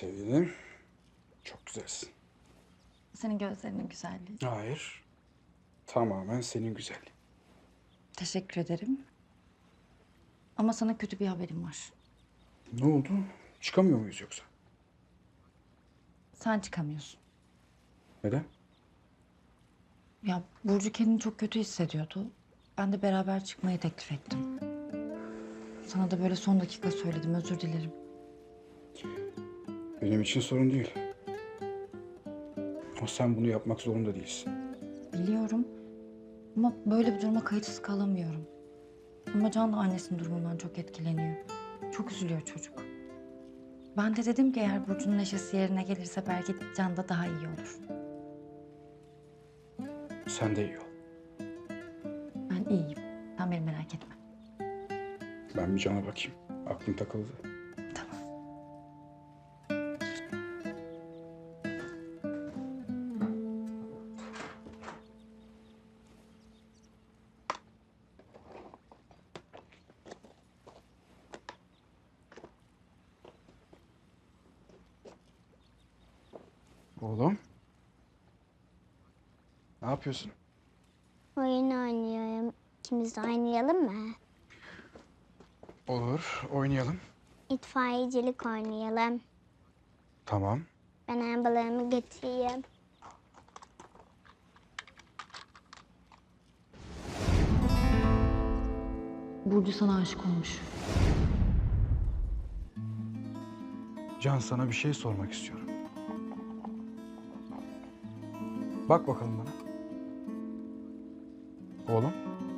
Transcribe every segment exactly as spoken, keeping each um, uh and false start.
sevgilim. Çok güzelsin. Senin gözlerinin güzelliği. Hayır. Tamamen senin güzelliğin. Teşekkür ederim. Ama sana kötü bir haberim var. Ne oldu? Çıkamıyor muyuz yoksa? Sen çıkamıyorsun. Neden? Ya Burcu kendini çok kötü hissediyordu. Ben de beraber çıkmayı teklif ettim. Sana da böyle son dakika söyledim, özür dilerim. Benim için sorun değil. Ama sen bunu yapmak zorunda değilsin. Biliyorum ama böyle bir duruma kayıtsız kalamıyorum. Ama Can da annesinin durumundan çok etkileniyor. Çok üzülüyor çocuk. Ben de dedim ki eğer Burcu'nun neşesi yerine gelirse belki Can da daha iyi olur. Sen de iyi ol. Ben iyiyim. Sen beni merak etme. Ben bir Can'a bakayım. Aklım takıldı. Tamam. Oğlum. Ne yapıyorsun? Oyun oynuyorum. İkimiz de oynayalım mı? Olur. Oynayalım. İtfaiyecilik oynayalım. Tamam. Ben arabalarımı getireyim. Burcu sana aşık olmuş. Can, sana bir şey sormak istiyorum. Bak bakalım bana. Oğlum.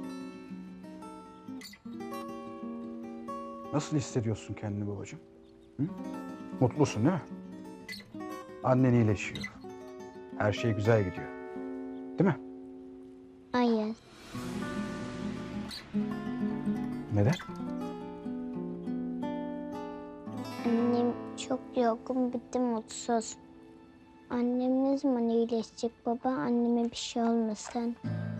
Nasıl hissediyorsun kendini babacığım? Hı? Mutlusun değil mi? Annen iyileşiyor. Her şey güzel gidiyor. Değil mi? Hayır. Neden? Annem çok yorgun, bitti mutsuz. Annem ne zaman iyileşecek baba? Anneme bir şey olmasın.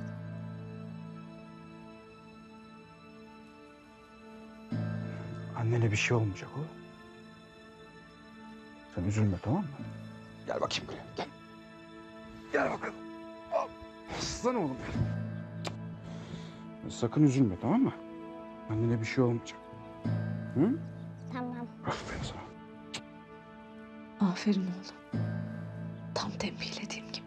Annene bir şey olmayacak o. Sen üzülme, tamam mı? Gel bakayım buraya. Gel. Gel bakalım. Al. Aslan oğlum benim. Sakın üzülme, tamam mı? Annene bir şey olmayacak. Hı? Tamam. Aferin sana. Aferin oğlum. Tam tembihlediğim gibi.